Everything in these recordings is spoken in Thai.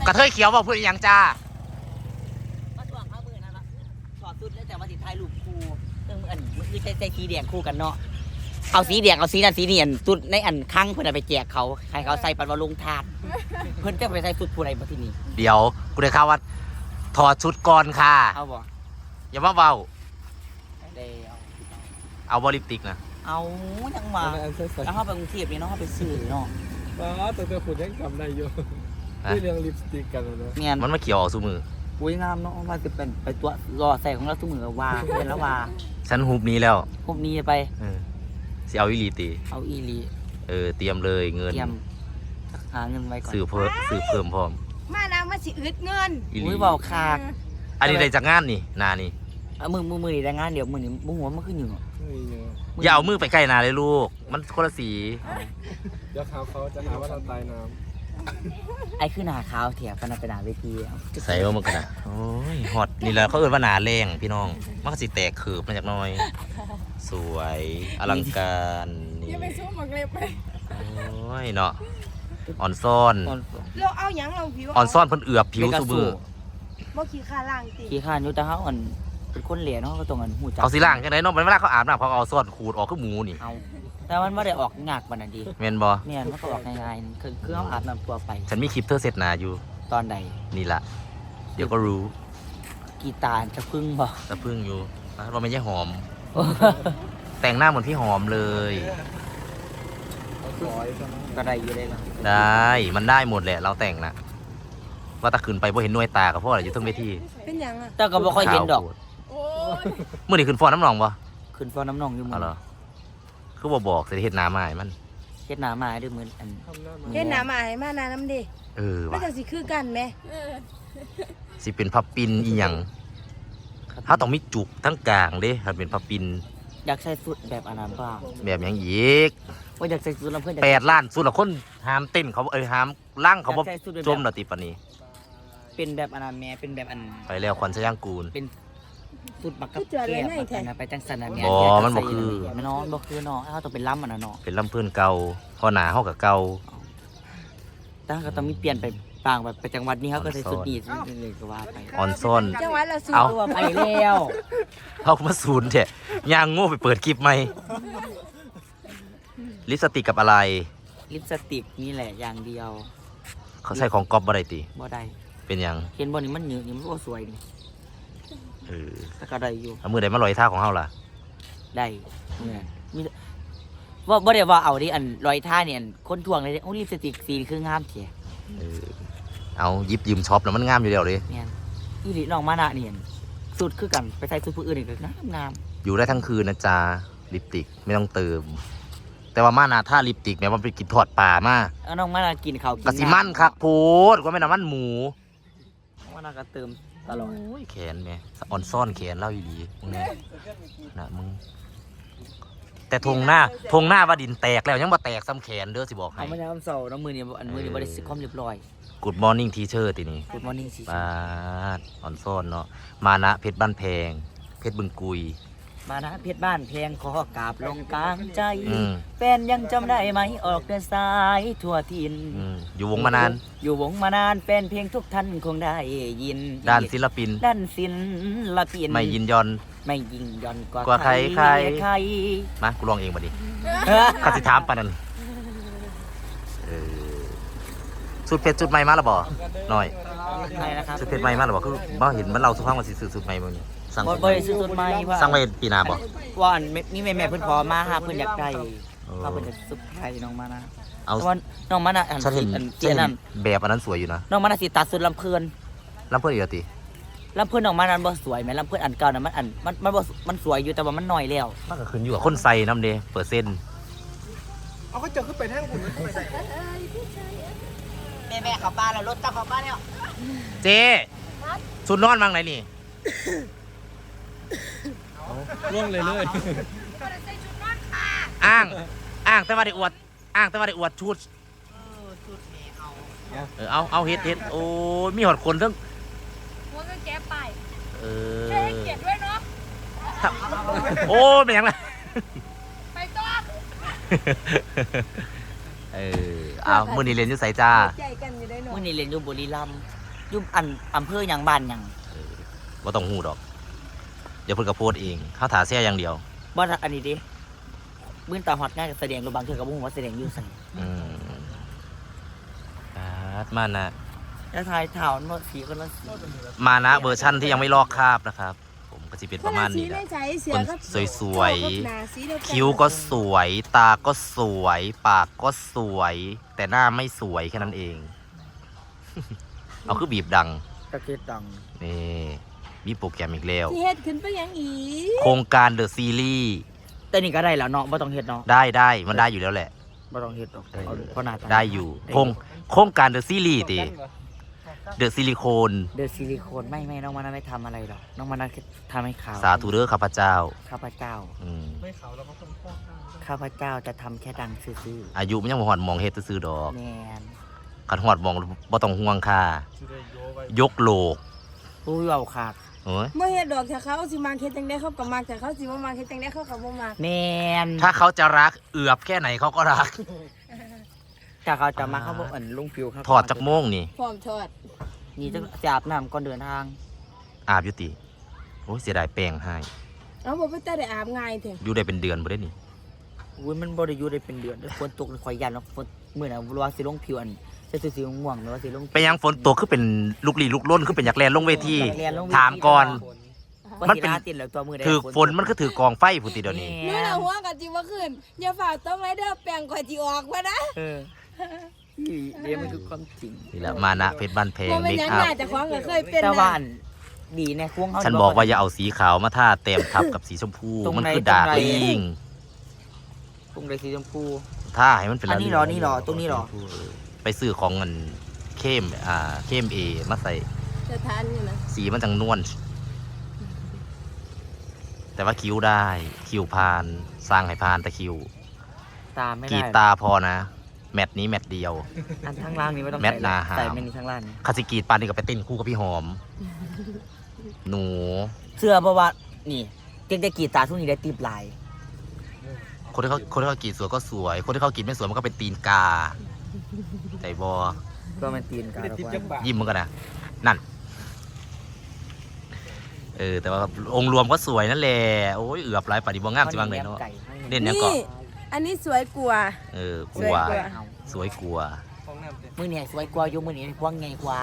กระเทยเขียวบอกเพื่อนยังจ้ามาช่วงข้ามือนั่นละถอดสุดแล้วแต่ว่าสิถ่ายรูปคู่ซึ่งอันมันคือใช้สีแดงคู่กันเนาะเอาสีแดงเอาสีนั่นสีนี่อันสุดในอันครั้งเพื่อนไปแจกเขาใครเขาใส่ปันวาลงทานเพื่อนจะไปใส่สุดผู้ใดมาที่นี่เดี๋ยวกูได้ข่าวว่าถอดชุดก่อนค่ะเอาบ่อย่ามาเบาเดี๋ยวเอาบอลิปติกนะเอายังมาแล้วเขาไปกรุงเทพนี่เนาะเขาไปซื้อเนาะแต่ฝุ่นยังจำได้อยู่ที่เรื่องลิปสติกกันเลยเนี่ยมันมาเขียวออกสู่มืออุ้ยงามเนาะว่าจะเป็นไปตัวรอใส่ของเราทุกมือว่าเป็นแล้วว่าฉันฮุบนี้แล้วฮุบนี้ไปสิเอาอีลีตีเอาอีลีเตรียมเลยเงินเตรียมหาเงินไว้ก่อนซื้อเพิ่มพร้อมมานามาสิอึดเงินอุ้ยเบาคากอันนี้ได้จากงานนี่นานี่มือนี่ได้งานเดี๋ยวมือนี่บุ้งหัวมันขึ้นอยู่อย่าเอามือไปใกล้นาเลยลูกมันคนละสีเดี๋ยวเขาจะหาว่าเราตายน้ำไอ้ขึ้นหนาขาวเถียบกันไปหนาเวทีใส่ว่ามันกันนะโอ้ยฮอตนี่แหละเขาเอิ้นว่าหนาแรงพี่น้องมันก็สิแตกเขือบมาจากน้อยสวยอลังการนี่อย่าไปสู้หมากเล็บไปโอ้ยเนาะอ่อนซ่อนเราเอาหยังเราผิวอ่อนซ่อนเพิ่นเอือบผิวซุมือบ่ขี้ข้าล่างติขี้ข้าอยู่แต่เขาเป็นคนเหลี่ยเนาะก็ตรงกันหูจักเขาสิล่างจังได๋เนาะเวลาเขาอาบน้ำเขาเอาซ่อนขูดออกคือหมูนี่แต่มันไม่ได้ออกงากมันน่ะดีแม่นบ่เนี่ยมันก็ออกง่ายๆคือเขาอาบน้ำตัวไปฉันมีคลิปเธอเสร็จหนาอยู่ตอนใดนี่ล่ะเดี๋ยวก็รู้กีตาร์จะพึ่งบ่จะพึ่งอยู่เราไม่ใช่หอมแต่งหน้าเหมือนพี่หอมเลยก็ได้อยู่เลยล่ะได้มันได้หมดแหละเราแต่งนะว่าตะขืนไปเพราะเห็นหน่วยตากับพ่ออะไรอยู่ทั้งเวทีเป็นยังอ่ะแต่ก็บ่ค่อยเห็นดอกเมื่อนี้ขึ้นฟอนน้ำหนองปะขึ้นฟอนน้ำหนองอยู่มั้งเหรอคือบอกเสร็จเห็ดน้ำมาให้มันเห็ดน้ำมาด้วยมืออันเห็ดน้ำมาให้มานาน้ำดิว่ะจะสิคือกันไหมสิเป็นพับปินอีหยังถ้าต้องมีจุกทั้งกลางเด้ถ้าเป็นพับปินอยากใส่สุดแบบอันนั้นบ้างแบบอย่างอีกว่าอยากใส่สุดแล้วเพื่อน 8 ล้านสุดละคนหามเต้นเขาหามล่างเขาบ่จมละติปนี้เป็นแบบอันนั้นแม่เป็นแบบอันไปแล้วควันสยางกูลเป็นสุดบักกับแก้มไปจังสันอันนี้มันบ่คือมันน้องบ่คือน้องเขาต้องเป็นล้ำอันนั้นเนาะเป็นล้ำเพื่อนเก่าพอหนาเขากับเก่าตั้งก็ต้องมีเปลี่ยนไปบางแบบไปจังหวัดนี้เขาก็ใส่สุดอีกเลยก็ว่าไปออนซ่อนจังหวัดละสูตัวไปแล้วเขามาศูนย์เถอะย่างโง่ไปเปิดคลิปไหมลิปสติกกับอะไรลิปสติกนี่แหละอย่างเดียวเขาใส่ของก๊อปบ่ได้ติบ่ได้เป็นยังเห็นบ่นี่มันเหนือนี่มันก็สวยนี่แต่ก็ได้อยู่เอามือใดมาลอยท่าของเฮาล่ะได้เนี่ยว่าบ่ได้ว่าเอาดิอันลอยท่าเนี่ยคนทวงเลยโอ้ลิปสติกสีคืองามเถี่ยเอายิบยืมช็อปแล้วมันงามอยู่แล้วเลยเนี่ยอีหลีน้องมานะเนี่ยสุดคือกันไปใส่สุดผู้อื่นอีกก็งามอยู่ได้ทั้งคืนนะจ๊ะลิปสติกไม่ต้องเติมแต่ว่ามานาท่าลิปสติกแม้ว่าไปกินทอดปลามาน้องมานากินเขากะสิมันคักโพดก็ไม่น้ำมันหมูมานาก็เติมตลอดแขนแม่อ่อนซ่อนแขนเล่าอยู่ดีมึงเนี่ยนะมึงแต่ทงหน้าว่าดินแตกแล้วยังบ่แตกซ้ำแขนเด้อสิบอกให้เอาไม่ได้คำเสาน้องมือนี่อันมือนี่บริสุทธิ์ความเรียบร้อย Good morning teacher ทีนี้ Good morning teacher มาอ่อนซ่อนเนาะมานะเพชรบ้านแพงเพชรบึงกุยมานะเพชรบ้านแพงขอกราบลงกลางใจแฟนยังจำได้ไหมออกเดินสายทั่วถิ่นอยู่วงมานานแฟนเพลงทุกท่านคงได้ยินด้านศิลปินไม่ยินยอนกว่าใครมากูลองเองมาดิข้าสิถามปะนั่นสุดเพชรสุดใหม่มาแล้วบ่หน่อยสุดเพชรใหม่มาแล้วบ่คือบ่เห็นมันเราสุภาพมาสิสุดใหม่บ่เนี่ยสั่งบ่ซื้อสุดใหม่ว่าสั่งไว้ปีหน้าบ่ว่านี่แม่เพิ่นขอมาหาเพิ่นอยากได้ว่าเพิ่นจะสุดไทยน้องมานะเอาน้องมานะฉันเห็นแบบอันนั้นสวยอยู่นะน้องมานะสิตัดสุดลำเพลินอีกติลำเพลินน้องมานั้นบ่สวยแม่ลำเพลินอันเก่าน่ะมันสวยอยู่แต่ว่ามันน้อยแล้วมันก็ขึ้นอยู่กับคนใส่นำเด้เปอร์เซ็นต์เอาก็เจอขึ้นไปแท่งคุณแม่ขับบ้านแล้วรถกลับขับบ้านแล้วเจ๊สุดนอนมั่งไหนนี่ร่วงเลยอ้างแต่ว่าได้อวดชุดเอาเฮ็ดโอ้ยมีหอดคนทั้งหัวก็แก้ไปใช่เก็บด้วยเนาะโอ้เป็นยังไงไปต่อเอามื้อนี้เรียนอยู่ไสจ้าใจกันอยู่ได้หน่อมื้ยอนี้เรียนอยู่บุรีรัมย์อยู่อำเภอหยังบ้านหยังบ่ต้องฮู้ดอก เดี๋ยวเพิ่นก็โพสต์เองเขาถาแซ่อย่างเดียวบ่อันนี้ดิมื้อตาฮอดงานก็แสดงรูบางเทื่อก็บ่ฮู้ว่าแสดงอยู่ไสอืมมานะแล้วทายเท้าโน้ตสีคนละสีมานะเวอร์ชั่นที่ยังไม่ลอกคราบนะครับ ผมก็จะเป็นประมาณนี้แหละใช้เสือก็คนสวยๆกับหนาสีเดียวกันคิ้วก็สวย ตาก็สวย ปากก็สวย แต่หน้าไม่สวยแค่นั้นเอง เอาคือบีบดังตะเกียบดังนี่มีโปรแกรมอีกแล้วที่เฮ็ดขึ้นไปยังอีโครงการเดอะซีรีส์แต่นี่ก็ได้แล้วเนาะบ่ต้องเฮ็ดเนาะได้มันได้อยู่แล้วแหละบ่ต้องเฮ็ดหรอกเอาเพราะหน้าตาได้อยู่โครงการเดอะซีรีส์ติเดอะซิลิโคนเดอะซิลิโคนไม่น้องมานะไม่ทำอะไรหรอกน้องมานะทำให้ขาวสาธุเด้อข้าพเจ้าข้าพเจ้าอืมไม่ขาวแล้วก็คนฟอกข้างข้าพเจ้าจะทำแค่ดังซื่ออายุมันยังบ่ฮอดมองเฮ็ดซื่อๆดอกๆแมนคันฮอดมองบ่ต้องห่วงค่าจะได้โยไว้ยกโลกผู้เว้าขาดโอ้ยเมื่อเฮ็ดดอกถ้าเขาสิมาเฮ็ดจังได๋เขาก็มักแต่เขาสิบ่มาเฮ็ดจังได๋เขาก็บ่มักแมนถ้าเขาจะรักเอือบแค่ไหนเขาก็รักถ้าเขาจะมาเขาบอกลุงผิวครับถอดจากโม่งนี่พร้อมทอดนี่จะอาบน้ำก่อนเดินทางอาบอยู่ติโอ้ยเสียดายแป้งให้เอาบ่ไปแต่ได้อาบง่ายแท้อยู่ได้เป็นเดือนบ่ได้นี่อุ้ยมันบ่ได้อยู่ได้เป็นเดือนฝนตกคอยยันเนาะฝนมื้อน่ะว่าสิลงผิวใส่สีม่วงหรือว่าสิลงไปยังฝนตกคือเป็นลูกหลีลูกล้นคือเป็นอยากแลนลงเวทีอยากแล่นลงเวทีถามก่อนว่ามันสิเป็นลาติดแล้วตัวมือได้ถือฝนมันก็ถือกองไฟผู้ติเดี๋ยวนี้หนูน่ะหัวก็จิบ่ขึ้นอย่าฝากต้องไรเด้อแป้งข่อยสิออกว่านะเออเดี๋ยวมันคือความจริงนี่แหละมานะเพชรบ้านแพงบ่แม่เมนคหยังอัพน่าจะของก็เคยเป็นแต่นะว่าอันดีในควงเขาฉันบอกว่าอย่าเอาสีขาวมาทาเต็มทับกับสีชมพูตรงไหนมันคือดาร์กตรงไหนลิงตรงใดสีชมพูท่าให้มันเป็นอันนี้เหรอนี่เหรอตรงนี้เหรอไปซื้อของเงินเข้มเอมาใส่จะทานอยู่นะสีมันจังนวลแต่ว่าคิ้วได้คิ้วพานสร้างให้พานแต่คิ้วตาไม่กรีได้ดตาพอนะ แมตช์นี้แมตช์เดียวอันข้างล่างนี้ไม่ต้องแมทนาหามใส่แมทนี้ข้างล่างนี้คาสิกรีดปานนี่ก็ไปเต้นคู่กับพี่หอม หนูเสื้อเพราะว่านี่เก่งแต่กรีดตาทุกนี้ได้ตีบลายคนที่เขากรีดสวยก็สวย คนที่เขากรีดไม่สวยมันก็เป็นตีนกาใจบอก็มันตีนกันติดแล้วติดว่าจังบายิ้มมันกันนะนั่น แต่ว่าองค์รวมก็สวยนั่นแหละโอ้ยเอือบหลายปฏิบัติงามสิบ้างเลยเนาะไก่ให้เด่นเนี่ยก็นี่อันนี้สวยกว่ากลัวสวยกว่าเอาสวยกลัวของน้ำเต็มมือเนี่ยสวยกว่าอยู่มือนี้พวงไงกว่า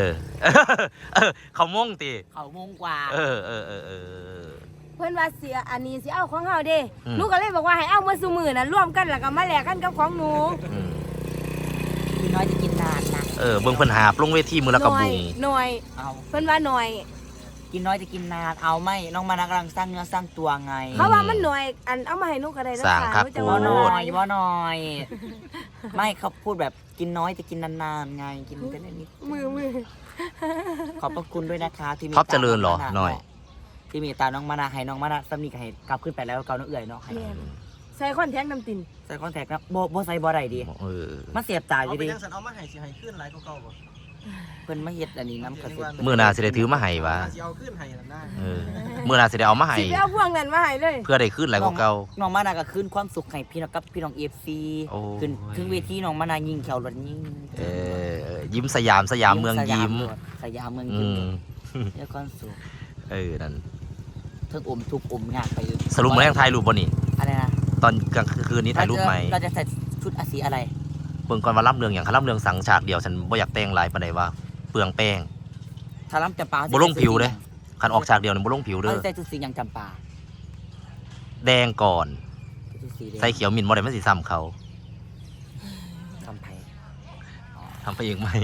เขาม่งตีเขามงกว่าเออเพิ่นว่าเสียอันนี้สิเอาของเฮาเด้อืมหนูก็เลยบอกว่าให้เอามาซุมื้อน่ะร่วมกันแล้วก็มาแลกกันกับของหนูอืมพี่น้อยจะกินนานนะเบิ่งเพิ่นหาบลงเวทีมือละกระหน่อยบุงหน่อยเอาเพิ่นว่าหน่อยกินน้อยจะกินนานเอาไม่น้องมานากำลังสร้างเนื้อสร้างตัวไงเขาว่ามันหน่อยอันเอามาให้หนูก็ได้นะสร้างคะคักหนูจะโพว่าว่าน้หอน่อยยว่าน้อย ไม่เขาพูดแบบกินน้อยจะกินนานๆไงกินกันนิดมือขอบพระคุณด้วยนะคะที่มีท็อปเจริญเหรอหน่อยที่มีตาน้องมานาให้น้องมานาสำนีกับให้กลับขึ้นไปแล้วเกาเนื้อเอื่อยเนาะให้เนี่ยใส่คอนแทคน้ำตินใส่คอนแทคนะโบใส่บ่ได้ดีเออมันเสียบตาอเอายู่ไปดิยังสันเอามาให้สิให้ขึ้นหลายกว่าเก่าบ่เพิ่นมาเฮ็ดอันนี้น้ำกระสิบมื้อหน้าสิได้ถือมาให้วะสิเอาขึ้นให้นั่นได้มื้อหน้าสิได้เอามาให้สิไปเอาพวงนั้นมาให้เลยเพื่อได้ขึ้นหลายกว่าเก่าน้องมานาก็คืนความสุขให้พี่น้องกับพี่น้องเอฟซีโอ้ยขึ้นถึงเวทีน้องมานายิงแขวรถยิงยิ้มสยามเมืองยิ้มสยามเมืองอืยิ้มมเรียกความสุขนั่นเทิงอมทุกอมงานไปสรุปมาแรงถ่ายรูปบ่นี่อะไรนะตอนกลางคืนนี้ถ่ายรูปไหมเราจะใส่ชุดอาสีอะไรเบิ่งก่อนว่าล่ำเรืองอย่างคันล่ำเรืองสังฉากเดียวฉันบ่อยากแต่งหลายปานใดว่าเปลืองแป้งถ้าล้ำจำปาบ่ลงผิวเด้ คันออกฉากเดียวนี่บ่ลงผิวเอเด้ออใส่ชุดสีอย่างจำปาแดงก่อนชุดสีแดงใส่เขียวมินบ่ได้มันสิซ้ำเขาคำไผ่ทำไปเองไหม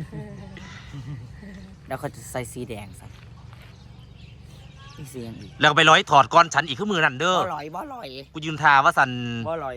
แล้วเขาจะใส่สีแดงใส่นี่สีอย่างอีกแล้วก็ไปร้อยถอดก่อนฉันอีกคือมือนั่นเด้อบ่ลอยบ่ลอยกูยืนทาว่าสันบ่ลอย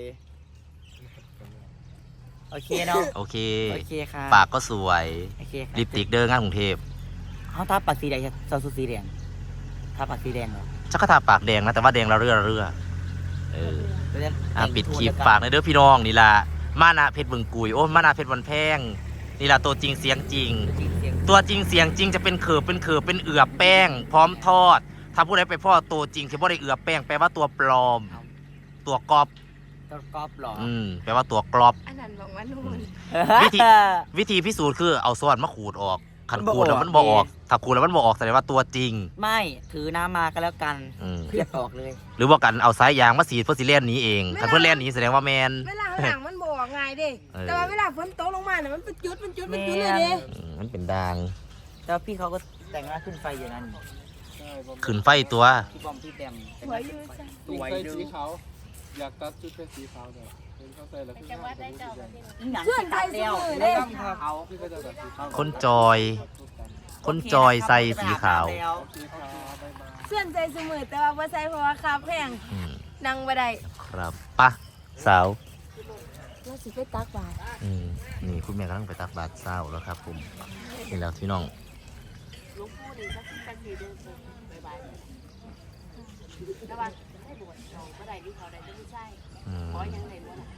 โอเคเนาะโอเคโอเคค่ะปากก็สวยโอเคค่ะลิปสติกเด้องานกรุงเทพเขาทาปากสีแดงใส่ชุดสีแดงทาปากสีแดงเหรอชักก็ทาปากแดงนะแต่ว่าแดงระเรื่อระเรื่อแล้วจะปิดคลิปฝากในเด้อพี่น้องนี่ล่ะมานะเพชรบึงกุยโอ้มานะเพชรวันแพงนี่ล่ะตัวจริงเสียงจริง ตัวจริงเสียงจริงจะเป็นเขือบเป็นเอือบแป้ง พร้อมทอด ถ้าผู้ใดไปพ่อตัวจริงที่บ่ได้เอือบแป้งแปลว่าตัวปลอม ตัวกอบตัวกรอบหรอแปลว่าตัวกรอบอันนั้นบอกว่านู่นวิธีพิสูจน์คือเอาซ้อนมาขูดออกขันขูดแล้วมันบ่บ่ออออก กถ้าขูดแล้วมันบ่ออกแสดงว่าตัวจริงไม่ถือน้ำมาก็แล้วกันอืมเพียบออกเลยหรือว่ากันเอาสายยางมาสีดเพื่อสิเล่นหนี้เองถ้าเพื่อเล่นหนี้แสดงว่าแมนเวลาข้างหลังมันบอกง่ายเด้เออแต่ว่าเวลาฝนตกลงมาเนี่ยมันเป็นจุดเลยเด้มันเป็นดางแล้วพี่เขาก็แต่งหน้าขึ้นไฟอยู่นั่นใช่ผมขึ้นไฟตัวพี่บอมพี่แบมสวยอยู่จ้ะยิ่งใส่สีขาวอยากตัดชุดเป็นสีขาวเนี่ยเห็นเขาใส่แล้วคือหน้าเป็นสีแดงเพื่อนไทยเดียวเล่นเขาพี่ก็จะตัดสีขาวคนจอย คนจอยใส่สีขาวสีขาวใบไม้เสื่อนใจเสมอแต่ว่าบ่ใส่เพราะว่าคาแพงอืมนั่งบ่ได้ครับปะสาวเราสิไปตักบาตรนี่คุณแม่กำลังไปตักบาตรเช้าแล้วครับผมนี่แล้วพี่น้องหลวงปู่นี่สักทีเดินไปบายแต่ว่าให้บวชเราบ่ได้ที่เขาได้ไม่ใช่อืมขอยังไงบ่ล่ะ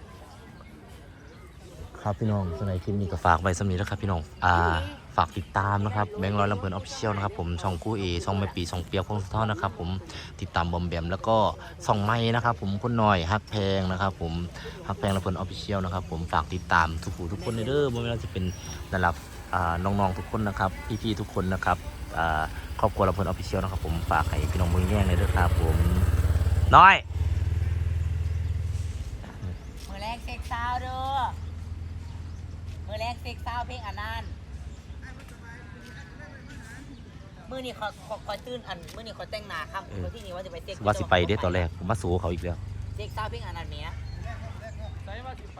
ครับพี่น้องสำหรับคลิปนี้ก็ฝากไว้สำหรับนี้แล้วครับพี่น้องฝากติดตามนะครับแบงค์ร้อยลำเพลินออฟฟิเชียลนะครับผมช่องคู่เอช่องแม่ปีช่องเปียกพงศธรนะครับผมติดตามบอมแบมแล้วก็ช่องไม้นะครับผมคนหน่อยฮักแพงนะครับผมฮักแพงลำเพลินออฟฟิเชียลนะครับผมฝากติดตามทุกผู้ทุกคนในเด้อไม่ว่าจะเป็นระดับน้องๆทุกคนนะครับพี่ๆทุกคนนะครับครอบครัวลำเพลินออฟฟิเชียลนะครับผมฝากให้พี่น้องมือแย่งเลยเด้อครับผมน้อยมือแรกเซ็กซาวเด้อมือแรกเซ็กซาวเพลงอันนั้นมือนี่ขอตื่นอันมือนี่ขอแต่งหน้าครับมือที่นี่ว่าจะไปเซ็กว่าสิไปเด้อตอนแรกผมมาสู้เขาอีกแล้วเซ็กซาวเพลงอันนั้นเนี้ย